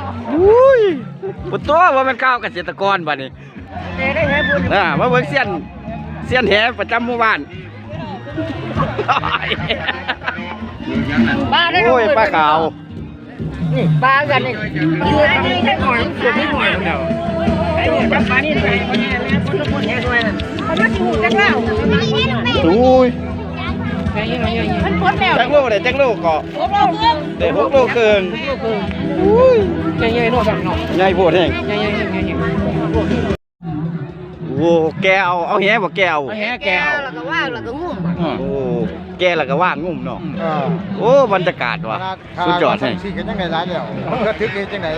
อุ้ยปุตตัวว่ามันก้าวเกษตรกรบ้านี้มาเบิ่งเสี้ยนแหประจำหมู่บ้านโอ้ยปลาขาวนี่ปลากันนี่อยู่อันนี้แค่หน่อยส่วนนี้หน่อยเดียวไอ้นี่จับปลานี่เลยคนนี้แม่คนแห่ด้วยเขามาถูกจังแล้วอุ้ยมันพ้นแล้วจังโลเลยจังโลเกาะ 6 โลครึ่งเด็ก6 โลครึ่งอุ้ยใหญ่ๆโน่แบบเนาะใหญ่โพดแห้งใหญ่โอ้แกเอาแหบ่แกเอาแหแกแล้วก็ว่างแล้วก็งุ่มโอ้แกแล้วก็ว่างงุ่มเนาะโอ้บรรยากาศว่ะสุดยอดให้สิกันยังไงร้านเดียวก็ทึกเองจังไหน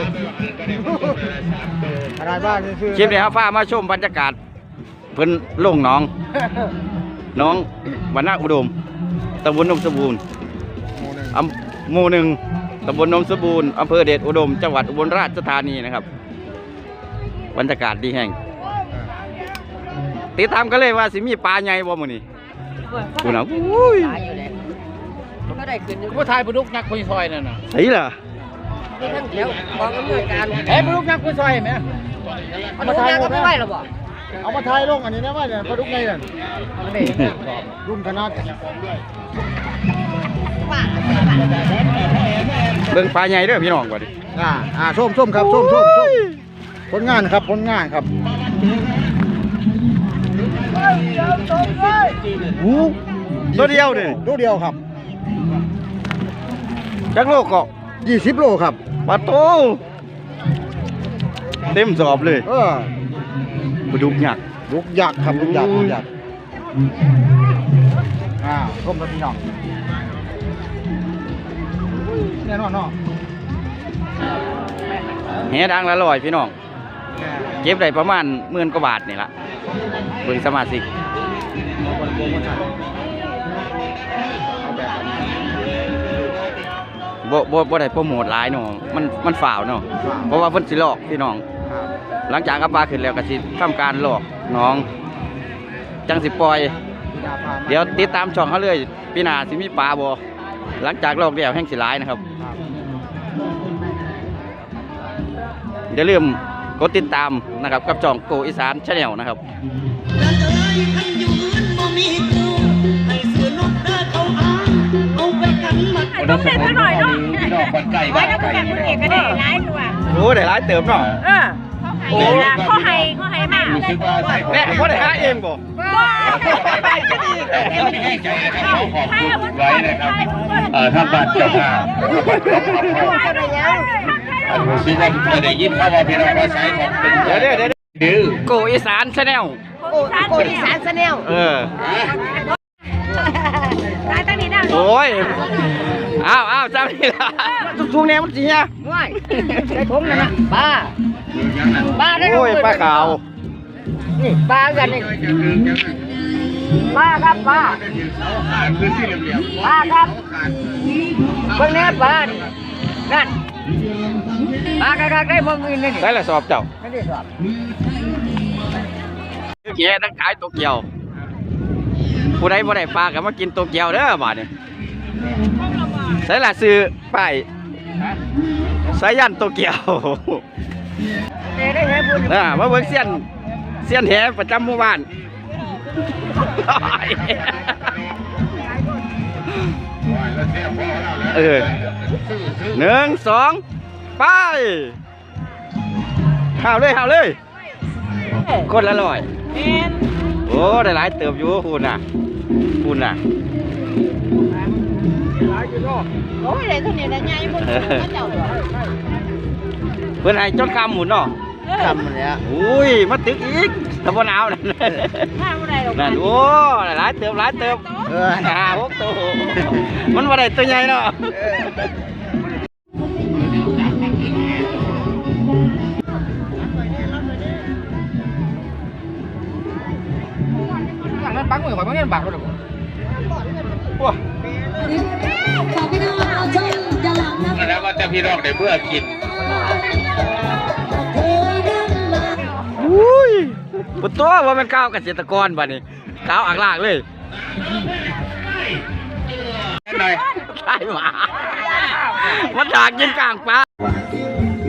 อะไรบ้างคือคลิปนี้ครับฟ้ามาชมบรรยากาศเพิ่นลงน้องวรรณอุดมตำบลนมสมบูรณ์หมู่ 1ตำบลนมสมบูรณ์อำเภอเดชอุดมจังหวัดอุบลราชธานีนะครับบรรยากาศดีแห่งติดตามกันเลยว่าสิมีปลาใหญ่บ่มื้อนี้คุณน่ะอุ้ยก็ได้ขึ้นผู้ชายปลุกยักษ์คุยซอยนั่นน่ะไสล่ะมีทั้งเดียวกองอำนวยการปลุกยักษ์คุยซอยมั้ยปลุกยักษ์ก็ไม่ไหวหรอกบ่เอามาถ่ายลงอันนี้นะว่าเนี่ยปลุกไงนั่นรุ่นคณะเบิ่งปลาใหญ่เด้อพี่น้องก่อนดิส้มครับส้มผลงานครับตัวเดียวนี่ตัวเดียวครับจักโลเกาะ 20 โลครับปลาโตเต็มสอบเลยปลาดุกยักษ์ครับดุกยักษ์ส้มครับพี่น้องแน่นอนเนาะแหดังละ100พี่น้องเก็บได้ประมาณ10,000 กว่าบาทนี่ล่ะเบิ่งสมาชิกบ่ได้โปรโมทหลายเนาะมันฝ่าวเนาะเพราะว่าเพิ่นสิหลอกพี่น้องหลังจากเอาปลาขึ้นแล้วก็สิทำการหลอกน้องจังสิปล่อยเดี๋ยวติดตามช่องเขาเลยปีหน้าสิมีปลาบ่หลังจากหลอกแล้วแห้งสิหลายนะครับอย่าลืมกดติดตามนะครับกับช่องโกอีสานชาแนลนะครับต้องเล่นหน่อยเนาะไว้แล้วก็แข่งคนเอกก็ได้ร้ายตัวโอ้ได้ร้ายเติมเนาะโอ้เขาให้มากแม่เขาได้หาเองบ่ได้ก็ดีให้ใจนะครับเขาขอบคุณไว้นะครับท่านบ้านเจ้าภาพซึ่งเราได้ยินข่าวว่าพี่น้องภาษาของเป็นเดี๋ยวโกอีสานชาแนลโกอีสานชาแนลร้ายตั้งนี้นะโอ้ยอ้าวจำนี่ละทุกแนวมันจีเนี่ยง่ายใช้ผมนะปลาได้โอ้ยปลาขาวนี่ปลากันนี่ปลาครับปลาครับเพิ่งแน่ปลานั่นปลากระได้บ่มีนี่ได้ละสอบเจ้าไม่ได้สอบแย่ทั้งขายตัวเกี่ยวผู้ใดบ่ได้ปลาก็มากินตัวเกี่ยวเด้อบาดนี้ใส่ละซื้อป้ายสายันตัวเกี่ยวมาเบิ่งเสี้ยนแหประจำหมู่บ้าน1 2ไปข่าวเลยคนละ100โอ้ได้หลายเติบอยู่คุณน่ะโอ้ยเลยตัวนี้นะใหญ่หมดเจ้าเพื่อนให้จนคำหมุนเนาะคำมันเนี้ยอุ้ยมาตึกอีกตะบนเอานั่นโอ้หลายเติบ6 ตัวมันว่าได้ตัวใหญ่เนาะนั่นปังมือข่อยมันเงินบาทเลยว้าแล้วก็จะพี่น้องได้เมื่อกินอุ้ยปุตตัวว่ามันก้าวเกษตรกรบ้านี้ก้าวอักลากเลยหน่อยใช่หมามันอยากกินกลางปลา